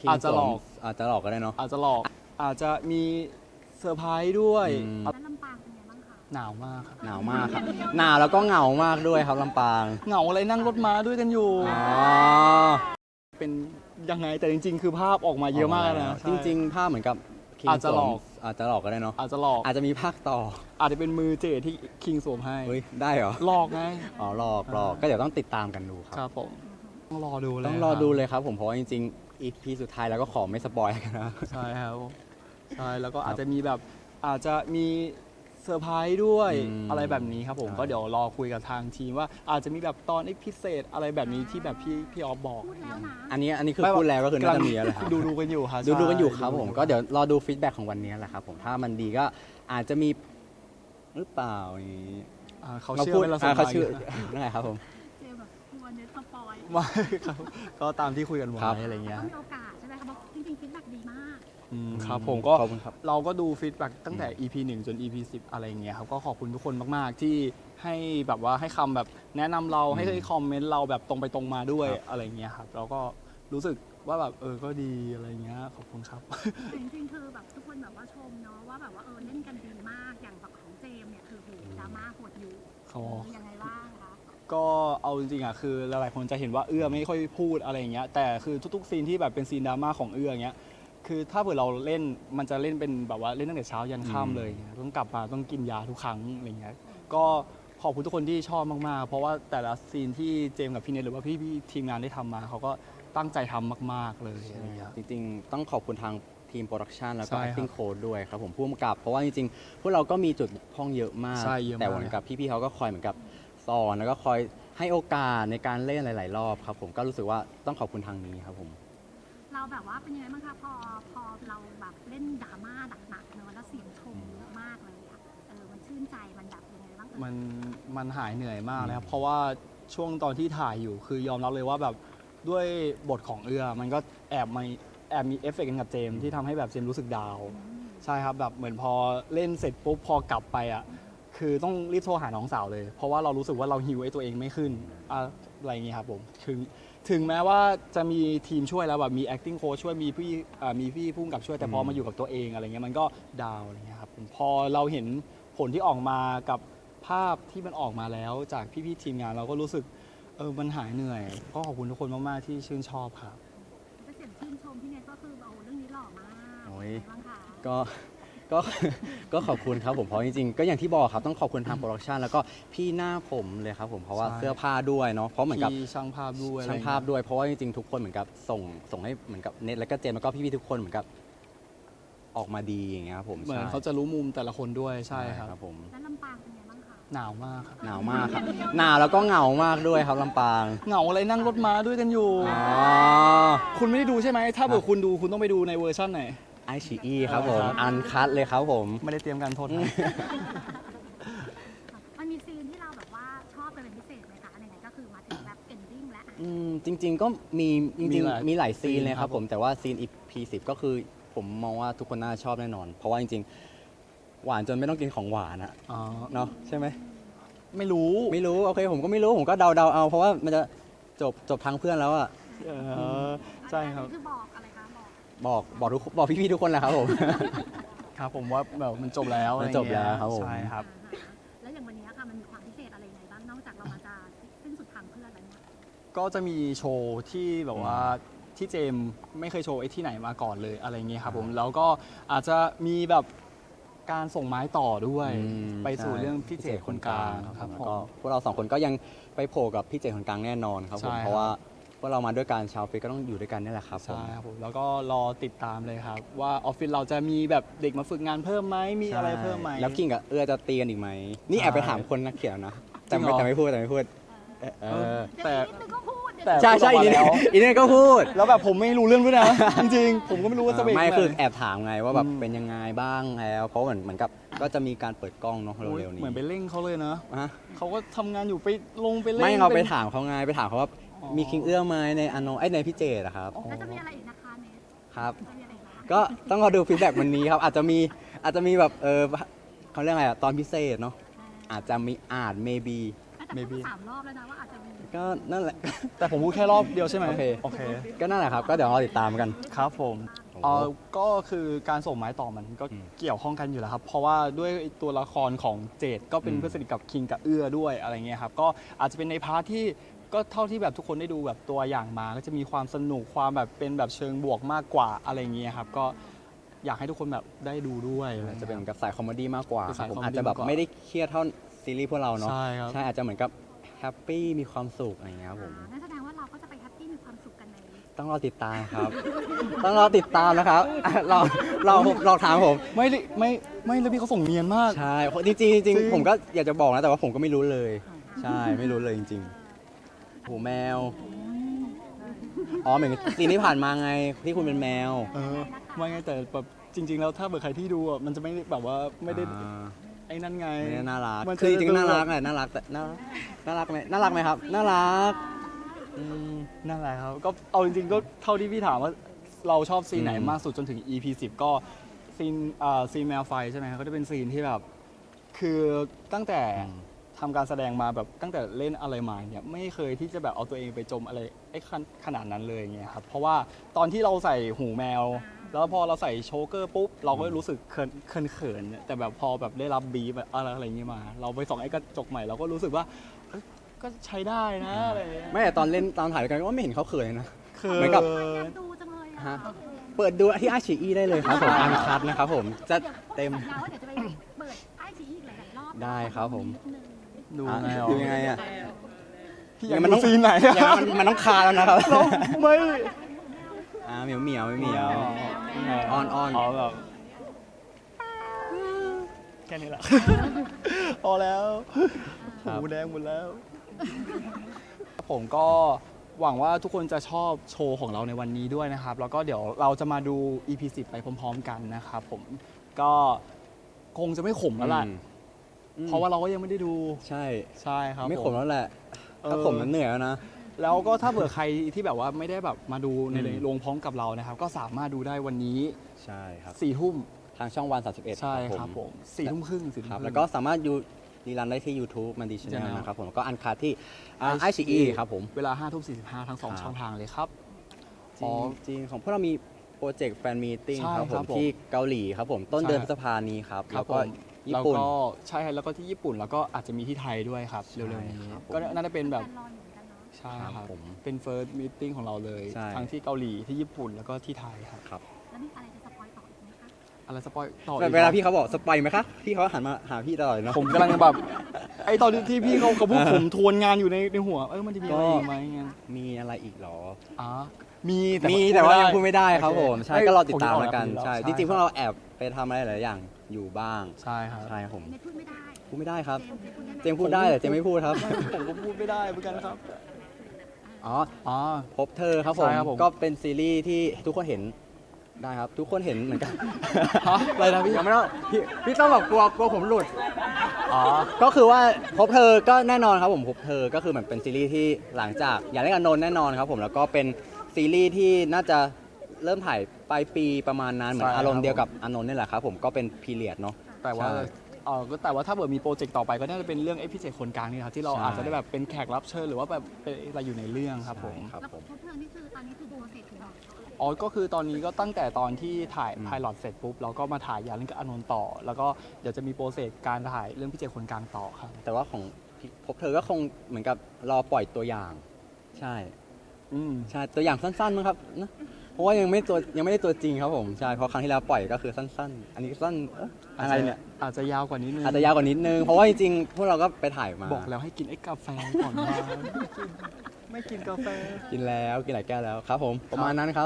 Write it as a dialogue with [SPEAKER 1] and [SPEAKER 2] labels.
[SPEAKER 1] อาจจะหลอก
[SPEAKER 2] ก็ได้เนาะ
[SPEAKER 1] อาจจะหลอกอาจจะมีเซอร์ไพรส์ด้วย
[SPEAKER 3] แล้วลำปางเป็นไงบ้างคะ
[SPEAKER 1] หนาวมากครับ
[SPEAKER 2] หนาวมากครับหนาวแล้วก็เหงามากด้วยครับลำปาง
[SPEAKER 1] เหงาอะไรนั่งรถม้าด้วยกันอยู่
[SPEAKER 2] อ๋อ
[SPEAKER 1] เป็นยังไงแต่จริงๆคือภาพออกมาเยอะมากนะ
[SPEAKER 2] จริงๆภาพเหมือนกับ
[SPEAKER 1] อาจจะหลอก
[SPEAKER 2] ก็ได้เนาะ
[SPEAKER 1] อาจจะหลอก
[SPEAKER 2] อาจจะมีภาคต่อ
[SPEAKER 1] อาจจะเป็นมือเจที่คิงสวมให้
[SPEAKER 2] เฮ้ยได้เหรอ
[SPEAKER 1] หลอกไง
[SPEAKER 2] อ๋อหลอกก็เดี๋ยวต้องติดตามกันดู
[SPEAKER 1] ครับผมต้องรอดู
[SPEAKER 2] เลยครับผมเพราะว่าจริงๆ EP สุดท้ายแล้วก็ขอไม่สปอยกันนะ
[SPEAKER 1] ใช่ครับใช่แล้วก็อาจจะมีแบบอาจจะมีเซอร์ไพรส์ด้วยอะไรแบบนี้ครับผมก็เดี๋ยวรอคุยกับทางทีมว่าอาจจะมีแบบตอนพิเศษอะไรแบบนี้ที่แบบพี่ออฟบอก
[SPEAKER 2] อันนี้คือพูดแล้วก็คือน่าจะมีแล้วครับ
[SPEAKER 1] ดูกันอยู่ครับ
[SPEAKER 2] ดูกันอยู่ครับผมก็เดี๋ยวรอดูฟีดแบ็กของวันนี้แหละครับผมถ้ามันดีก็อาจจะมีหรือเปล่าอย่างนี้
[SPEAKER 1] เขาเชื่อไหม
[SPEAKER 2] เขาเชื่อนั่นแหละครับผม
[SPEAKER 3] เจแบบกลัวเน็ตสปอย
[SPEAKER 1] ไม่ครับก็ตามที่คุยกันไว้อะไรเงี้ย
[SPEAKER 3] มีโอกาสใช่ไหมครับเพราะจริงๆฟีดแบ็กดีมาก
[SPEAKER 1] ครับผมก็เราก็ดูฟีดแบ็กตั้งแต่ EP 1 จน EP 10อะไรเงี้ยครับก็ขอบคุณทุกคนมากๆที่ให้แบบว่าให้คำแบบแนะนำเราให้คอมเมนต์เราแบบตรงไปตรงมาด้วยอะไรเงี้ยครับเราก็รู้สึกว่าแบบก็ดีอะไรเงี้ยขอบคุณครับ
[SPEAKER 3] จริงๆคือแบบทุกคนแบบว่าชมเนาะว่าแบบว่าเล่นกันดีมากอย่างแบบของเจมเนี่ยคือโหดราม่าโหดอยู่ยังไงบ้างคะ
[SPEAKER 1] ก็เอาจริงๆคือหลายๆคนจะเห็นว่าไม่ค่อยพูดอะไรเงี้ยแต่คือทุกๆซีนที่แบบเป็นซีนดราม่าของเงี้ยคือถ้าเผื่อเราเล่นมันจะเล่นเป็นแบบว่าเล่นตั้งแต่เช้ายันค่ำเลยต้องกลับมาต้องกินยาทุกครั้งอะไรเงี้ยก็ขอบคุณทุกคนที่ชอบมากๆเพราะว่าแต่ละซีนที่เจมกับพี่เนทหรือว่าพี่ทีมงานได้ทำมาเขาก็ตั้งใจทำมากๆเลย
[SPEAKER 2] จริงๆต้องขอบคุณทางทีมโปรดักชันแล้วก็ acting coach ด้วยครับผมผู้กำกับเพราะว่าจริงๆพวกเราก็มีจุดบกพร่องเยอะมากแต่เหมือนกับพี่ๆเขาก็คอยเหมือนกับสอนแล้วก็คอยให้โอกาสในการเล่นหลายๆรอบครับผมก็รู้สึกว่าต้องขอบคุณทางนี้ครับผม
[SPEAKER 3] เราแบบว่าเป็นยังไงบ้างคะพอเราแบบเล่นดราม่าหนักๆเนอะแล้วเสียงชมเยอะมากเลยอะมันชื่นใจมันแบบยังไงบ้าง
[SPEAKER 1] มันหายเหนื่อยมากเลยครับเพราะว่าช่วงตอนที่ถ่ายอยู่คือยอมรับเลยว่าแบบด้วยบทของมันก็แอบมีเอฟเฟกต์กันกับเจมที่ทำให้แบบเจมรู้สึกดาวใช่ครับแบบเหมือนพอเล่นเสร็จปุ๊บพอกลับไปคือต้องรีบโทรหาน้องสาวเลยเพราะว่าเรารู้สึกว่าเราฮิวไอ้ตัวเองไม่ขึ้นอะไรอย่างเงี้ยครับผมถึงแม้ว่าจะมีทีมช่วยแล้วแบบมี acting coach ช่วยมีพี่พุ่งกับช่วยแต่พอมาอยู่กับตัวเองอะไรเงี้ยมันก็ดาวอะไรเงี้ยครับพอเราเห็นผลที่ออกมากับภาพที่มันออกมาแล้วจากพี่ทีมงานเราก็รู้สึกมันหายเหนื่อยก็ขอบคุณทุกคนมากๆที่ชื่นชอบครับ
[SPEAKER 3] เสียงชื่นชมพี่เนทก็คือเรื่องนี้หล่อมากบ้างคะ
[SPEAKER 2] ก็ขอบคุณครับผมเพราะจริงๆก็อย่างที่บอกครับต้องขอบคุณทางโปรดักชันแล้วก็พี่หน้าผมเลยครับผมเพราะว่าเสื้อผ้าด้วยเนาะเพราะเหมือนกับ
[SPEAKER 1] ช่างภาพ
[SPEAKER 2] ด้วยเพราะว่าจริงๆทุกคนเหมือนกับส่งให้เหมือนกับเน็ตแล้วก็เจมแล้วก็พี่ๆทุกคนเหมือนกับออกมาดีอย่างเงี้ยครับผม
[SPEAKER 1] เหมือนเขาจะรู้มุมแต่ละคนด้วยใช่ครับ
[SPEAKER 2] ผม
[SPEAKER 3] แล้วลำปางเป็นไงบ้างคะ
[SPEAKER 1] หนาวมากครับ
[SPEAKER 2] หนาวแล้วก็เหงามากด้วยครับลำปาง
[SPEAKER 1] เหงาอะไรนั่งรถม้าด้วยกันอยู่คุณไม่ได้ดูใช่ไหมถ้าเกิดคุณดูคุณต้องไปดูในเวอร์ชันไหน
[SPEAKER 2] iQIYI ครับผมอันคัทเลยครับผม
[SPEAKER 1] ไม่ได้เตรียมการโทษ
[SPEAKER 3] มันมีซีนที่เราแบบว่าชอบเป็นพิเศษไหมคะไหนๆก็คือมาถึงแบบเอนดิ้งแล้ว
[SPEAKER 2] จริงๆก็มีหลายซีนเลยครับผมแต่ว่าซีน EP 10ก็คือผมมองว่าทุกคนน่าชอบแน่นอนเพราะว่าจริงๆหวานจนไม่ต้องกินของหวานอะเนาะใช่ไหม
[SPEAKER 1] ไม่รู้
[SPEAKER 2] โอเคผมก็ไม่รู้ผมก็เดาเอาเพราะว่ามันจะจบทางเพื่อนแล้วอะ
[SPEAKER 1] ใช่ครับ
[SPEAKER 3] คือบอกอะไรคะ
[SPEAKER 2] บอกพี่ๆทุกคนแหละครับผม
[SPEAKER 1] ครับผมว่าแบบมันจบแล้ว
[SPEAKER 2] ครับผม
[SPEAKER 1] ใช่ครับ
[SPEAKER 3] แล้วอย่างวันนี้ค่ะมันมีความพิเศษอะไรยังไงบ้างนอกจากเรามาจะสิ้นสุดทางเพื่อนแล้วเนี่ย
[SPEAKER 1] ก็จะมีโชว์ที่แบบว่าที่เจมไม่เคยโชว์ที่ไหนมาก่อนเลยอะไรเงี้ยครับผมแล้วก็อาจจะมีแบบการส่งไม้ต่อด้วยไปสู่เรื่องพี่เจคนกลางครับ
[SPEAKER 2] ก็พวกเรา2คนก็ยังไปโผล่กับพี่เจคนกลางแน่นอนครับผมเพราะว่าพวกเรามาด้วยกันชาวฟิตก็ต้องอยู่ด้วยกันนี่แหละครับ
[SPEAKER 1] ใช่ครับผมแล้วก็รอติดตามเลยครับว่าออฟฟิศเราจะมีแบบเด็กมาฝึกงานเพิ่มไหมมีอะไรเพิ่มไหม
[SPEAKER 2] แล้วกิ่งกับจะตีกันอีกไหมนี่แอบไปถามคนนักเขียนนะแต่ไม่พูด
[SPEAKER 3] แต่
[SPEAKER 2] ใช่อีนี่ก็พูด
[SPEAKER 1] แล้วแบบผมไม่รู้เรื่องด้วยนะจริงๆผมก็ไม่รู้ว่าจะเป็น
[SPEAKER 2] ไม่คือแอบถามไงว่าแบบเป็นยังไงบ้างแล้วเพราะเหมือนกับก็จะมีการเปิดกล้องเนาะเร็วๆนี้
[SPEAKER 1] เหมือนไปเร่งเขาเลยนะเขาก็ทำงานอยู่ไปเร่ง
[SPEAKER 2] ไม่เราไปถามเขาไงไปถามเขาว่ามีคิงไหมในในพี่เจอะครับ
[SPEAKER 3] แล้วจะมีอะไรอีกนะคะเนท
[SPEAKER 2] ครับก็ต้องรอดูฟีดแบ็กวันนี้ครับอาจจะมีแบบเขาเรียกอะไรตอนพิเศษเนาะอาจจะมีmaybe
[SPEAKER 3] 3 รอบแล้วนะว่าอาจจะมี
[SPEAKER 2] ก็นั่นแหละ
[SPEAKER 1] แต่ผมพูดแค่รอบเดียวใช่ไหม
[SPEAKER 2] โอเค
[SPEAKER 1] โอเค
[SPEAKER 2] ก็นั่นแหละครับ ก็เดี๋ยวรอติดตามกัน
[SPEAKER 1] ครับผม
[SPEAKER 2] โอ้โห
[SPEAKER 1] ก็คือการส่งไม้ต่อมันก็เกี่ยวข้องกันอยู่แล้วครับ เพราะว่าด้วยตัวละครของเจดก็เป็นเพื่อนสนิทกับคิงกับเอื้อด้วยอะไรเงี้ยครับก็อาจจะเป็นในพาร์ทที่ก็เท่าที่แบบทุกคนได้ดูแบบตัวอย่างมา ก็จะมีความสนุกความแบบเป็นแบบเชิงบวกมากกว่าอะไรเงี้ยครับก็อยากให้ทุกคนแบบได้ดูด้วย
[SPEAKER 2] จะเป็นกับสายคอมเมดี้มากกว่า
[SPEAKER 1] เป็น
[SPEAKER 2] ครั
[SPEAKER 1] สา
[SPEAKER 2] บ
[SPEAKER 1] ย
[SPEAKER 2] ผม
[SPEAKER 1] คอมเมดี้
[SPEAKER 2] อาจจะแบบ
[SPEAKER 1] มากกว่า
[SPEAKER 2] ไม่ได้เครียดเท่าซีรีส์พวกเราเนาะ
[SPEAKER 1] ใช่ครับ
[SPEAKER 2] ใช่อาจจะเหมือนกับแฮปปี้มีความสุขอะไรอย่างเงี้ยครับผม
[SPEAKER 3] นั่นแสดงว่าเราก็จะไปแฮปปี้มีความสุขกันใน
[SPEAKER 2] ต้องรอติดตามครับ ต้องรอติดตามนะครับลองถามผม
[SPEAKER 1] ไม่แล้วพี่เขาส่งเนียนมาก
[SPEAKER 2] ใช่จริงๆจริงๆผมก็อยากจะบอกนะแต่ว่าผมก็ไม่รู้เลย ใช่ไม่รู้เลยจริงๆหูแมวอ๋อเหมือนซีนที่ผ่านมาไงที่คุณเป็นแมว
[SPEAKER 1] ไม่ไงแต่แบบจริง ๆ แล้วถ้าเกิดใครที่ดูอ่ะมันจะไม่ได้แบบว่าไม่ได้
[SPEAKER 2] อ่า
[SPEAKER 1] ไอ้นั่นไง
[SPEAKER 2] ไม่ได้น่ารัก
[SPEAKER 1] มันจะ
[SPEAKER 2] คือจริงๆ
[SPEAKER 1] ดู
[SPEAKER 2] น่ารักแหละน่ารักแต่น่ารักไหมน่ารักไหมครับน่ารักอืม
[SPEAKER 1] นั่นแหละครับก็เอาจริงๆก็เท่าที่พี่ถามว่าเราชอบซีนไหน
[SPEAKER 2] อืม
[SPEAKER 1] มากสุดจนถึง EP 10 ก็ซีนแมวไฟใช่ไหมครับก็จะเป็นซีนที่แบบคือตั้งแต่ทำการแสดงมาแบบตั้งแต่เล่นอะไรมาเนี่ยไม่เคยที่จะแบบเอาตัวเองไปจมอะไรไอ้ขนาดนั้นเลยอย่างเงี้ยครับเพราะว่าตอนที่เราใส่หูแมว แล้วพอเราใส่โชเกอร์ปุ๊บเราก็รู้สึกเขินๆแต่แบบพอแบบได้รับบีบอะไรอย่างเงี้ยมา เราไปส่องไอ้กระจกใหม่เราก็รู้สึกว่าเอ้ยก็ใช้ได้นะอะไรอย่างเงี้ย
[SPEAKER 2] ไม่แต่ตอนเล่นตอนถ่ายด้วยกันก็ไม่เห็นเขาเขินเลยนะ
[SPEAKER 1] เขิน
[SPEAKER 2] เหมือนกับ
[SPEAKER 3] อยากดูจังเลยอ่ะ
[SPEAKER 2] ฮะ เปิดดูที่ไอชีอีได้เลยครับผมอันคัดนะครับผมจะเต็ม
[SPEAKER 3] สัญญาว่าเดี๋ยวจะไปเปิดไอซีอีกหลายๆรอบ
[SPEAKER 2] ได้ครับผม
[SPEAKER 3] นิดนึง
[SPEAKER 1] ดู
[SPEAKER 2] อ่ะ
[SPEAKER 1] ไงอ่ะ
[SPEAKER 2] ดูยังไงอ่ะ
[SPEAKER 1] พี่อยากดูซีนไหน
[SPEAKER 2] อย่าง
[SPEAKER 1] อะ
[SPEAKER 2] นั้นมันต้องคาแล้วนะครับ
[SPEAKER 1] เราไม่
[SPEAKER 2] เหมียวเหมียวอ้อน
[SPEAKER 1] อ๋อแบบแค่นี้แหละ พอแล้ว
[SPEAKER 2] ครับ
[SPEAKER 1] หูแดงหมดแล้ว ผมก็หวังว่าทุกคนจะชอบโชว์ของเราในวันนี้ด้วยนะครับ แล้วก็เดี๋ยวเราจะมาดู EP 10 ไปพร้อมๆกันนะครับผมก็คงจะไม่ขมแล้วล่ะ เพราะว่าเราก็ยังไม่ได้ดู
[SPEAKER 2] ใช่
[SPEAKER 1] ใช่ครับ
[SPEAKER 2] ไม่ขม
[SPEAKER 1] ผ
[SPEAKER 2] แล้วแหละถ้าขมมันเหนื่อยแล้วนะ
[SPEAKER 1] แล้วก็ถ้าเผื่อใครที่แบบว่าไม่ได้แบบมาดูใน
[SPEAKER 2] อืม
[SPEAKER 1] โรงพร้อมกับเรานะครับ ก็สามารถดูได้วันนี้
[SPEAKER 2] ใช่ครับ
[SPEAKER 1] 4 ทุ่ม
[SPEAKER 2] ทางช่องวัน31
[SPEAKER 1] ใช่ครับผม4 ทุ่มครึ่ง4 ทุ่ม
[SPEAKER 2] ครับ
[SPEAKER 1] ครึ่ง
[SPEAKER 2] แล้วก็สามารถดูรีรันได้ที่ YouTube มันดีชแนล
[SPEAKER 1] Channel
[SPEAKER 2] นะครับผมแล้วก็อันคาที่ไอชีอีครับผม
[SPEAKER 1] เวลา 5 ทุ่ม 45 ทั้ง
[SPEAKER 2] ครับ
[SPEAKER 1] 2 ช่องทางเลยครับ
[SPEAKER 2] จริงของพวกเรามีโปรเจกต์แฟนมีติ้ง
[SPEAKER 1] ใช่
[SPEAKER 2] ครับผ
[SPEAKER 1] ครั
[SPEAKER 2] ม
[SPEAKER 1] บผม
[SPEAKER 2] ที่เกาหลีครับผมต้น
[SPEAKER 1] ใช่
[SPEAKER 2] เดือนพฤษภานี้ครับ
[SPEAKER 1] ครั
[SPEAKER 2] แล้
[SPEAKER 1] บ
[SPEAKER 2] ว
[SPEAKER 1] ผ
[SPEAKER 2] ก็
[SPEAKER 1] ม
[SPEAKER 2] ญี่ปุ่น
[SPEAKER 1] แล้วก็ใช่แล้วก็ที่ญี่ปุ่นแล้วก็อาจจะมีที่ไทยด้วยครับ
[SPEAKER 2] ใช่
[SPEAKER 1] เร็วๆนี้
[SPEAKER 2] ครับผม
[SPEAKER 1] ก็น่าจะเป็นแบบ
[SPEAKER 3] ฟนรออยู่เหมือนกันเนาะ
[SPEAKER 1] ใช่
[SPEAKER 2] ค
[SPEAKER 1] ค
[SPEAKER 2] รั
[SPEAKER 1] รั
[SPEAKER 2] บบ ผม
[SPEAKER 1] เป็น first meeting ของเราเลย
[SPEAKER 2] ใช่
[SPEAKER 1] ทั้งที่เกาหลีที่ญี่ปุ่นแล้วก็ที่ไทยครับ
[SPEAKER 2] ครับ
[SPEAKER 3] แล้วมีอะไรจะสปอยต่ออีกไหมคะ
[SPEAKER 1] อะไรสปอยต่อ
[SPEAKER 2] แต่
[SPEAKER 1] อีก
[SPEAKER 2] เวลา
[SPEAKER 1] หรอ
[SPEAKER 2] พี่เขาบอกสปอยไหมคะพี่เขาหันมาหาพี่ตลอดเลยเนาะ
[SPEAKER 1] ผมกำลังแบบไอตอนที่พี่เขาพูดผมทวนงานอยู่ในหัวมันจะมีอะไรอีกไหมเงี้ย
[SPEAKER 2] มีอะไรอีกเหรอ
[SPEAKER 1] อ๋อมี
[SPEAKER 2] แต่ว่ายังพูดไม่ได้ครับ
[SPEAKER 1] โอเ
[SPEAKER 2] ผมใช่
[SPEAKER 1] เอ้ย
[SPEAKER 2] ก็รอติดตาม
[SPEAKER 1] ผ
[SPEAKER 2] แล้วกัน
[SPEAKER 1] ออ
[SPEAKER 2] ใช่
[SPEAKER 1] แล้ว
[SPEAKER 2] จริงๆพวกเราแอบไปทำอะไรหลายอย่างอยู่บ้าง
[SPEAKER 1] ใช่ครับ
[SPEAKER 2] ใช่ครับผม
[SPEAKER 3] เมย์พูดไม่ได้
[SPEAKER 2] พูดไม่ได้ครับ
[SPEAKER 3] เจมส์พูดได้ไหม
[SPEAKER 2] เจมส์พูดได้แต่เจมส์ไม่พูดครับ
[SPEAKER 1] ผมก็พูดไม่ได้เหมือนกันครับ
[SPEAKER 2] อ๋อ
[SPEAKER 1] อ๋อ
[SPEAKER 2] พบเธอครับผม
[SPEAKER 1] ใช่ครับผม
[SPEAKER 2] ก็เป็นซีรีส์ที่ทุกคนเห็นได้ครับ ทุกคนเห็นเหมือนกัน
[SPEAKER 1] ฮะอะไรนะพี่
[SPEAKER 2] ยังไม่ต้องพี่ต้องบอกกลัวผมหลุด
[SPEAKER 1] อ๋อ
[SPEAKER 2] ก็คือว่าพบเธอก็แน่นอนครับผมพบเธอก็คือเหมือนเป็นซีรีส์ที่หลังจากอยากเล่นกับนนท์แน่นอนครับผมแล้วก็เป็นซีรีส์ที่น่าจะเริ่มถ่ายปลายปีประมาณนั้นเหมือน
[SPEAKER 1] ใช่ครับ
[SPEAKER 2] อารมณ์เดียวกับอานนท์นี่แหละครับผมก็เป็นพีเรียดเนาะ
[SPEAKER 1] แต่ว่า
[SPEAKER 2] ใช่
[SPEAKER 1] ก็แต่ว่าถ้าเกิดมีโปรเจกต์ต่อไปก็น่าจะเป็นเรื่องไอ้พิเศษคนกลางนี่ครับที่เรา
[SPEAKER 2] ใช่
[SPEAKER 1] อาจจะได้แบบเป็นแขกรับเชิญหรือว่าแบบเป็นอะไรอยู่ในเรื่องครับผม
[SPEAKER 2] ใช่ครับ
[SPEAKER 3] แล้ว
[SPEAKER 2] ผม
[SPEAKER 3] พบเพลิงนี่คือตอนนี้คือโปรเซสถึงไหน
[SPEAKER 1] อ๋อก็คือตอนนี้ก็ตั้งแต่ตอนที่ถ่าย
[SPEAKER 2] อืม
[SPEAKER 1] ไพลอตเสร็จปุ๊บเราก็มาถ่ายยาเรื่องกับอานนท์ต่อ แล้วก็เดี๋ยวจะมีโปรเซสการถ่ายเรื่องพิเศษคนกลางต่อครับ
[SPEAKER 2] แต่ว่าของพบเธอก็คงเหมือนกับรอปล่อยตัวอย่าง ใช่
[SPEAKER 1] อืม
[SPEAKER 2] ใช่ตัวอย่างสั้นๆมั้งครับนะเพราะว่ายังไม่ได้ตัวจริงครับผมใช่เพราะครั้งที่แล้วปล่อยก็คือสั้นๆ อันนี้สั้นอะไรเนี่ย
[SPEAKER 1] อาจจะยาวกว่านี้นึง
[SPEAKER 2] อาจจะยาวกว่านิดนึงเพราะว่าจริงๆพวกเราก็ไปถ่ายมา
[SPEAKER 1] บอกแล้วให้กินไอ้กาแฟก่อนมาไม่กินกาแฟ
[SPEAKER 2] กินแล้วกินหลายแก้วแล้วครับผมประมาณนั้นครับ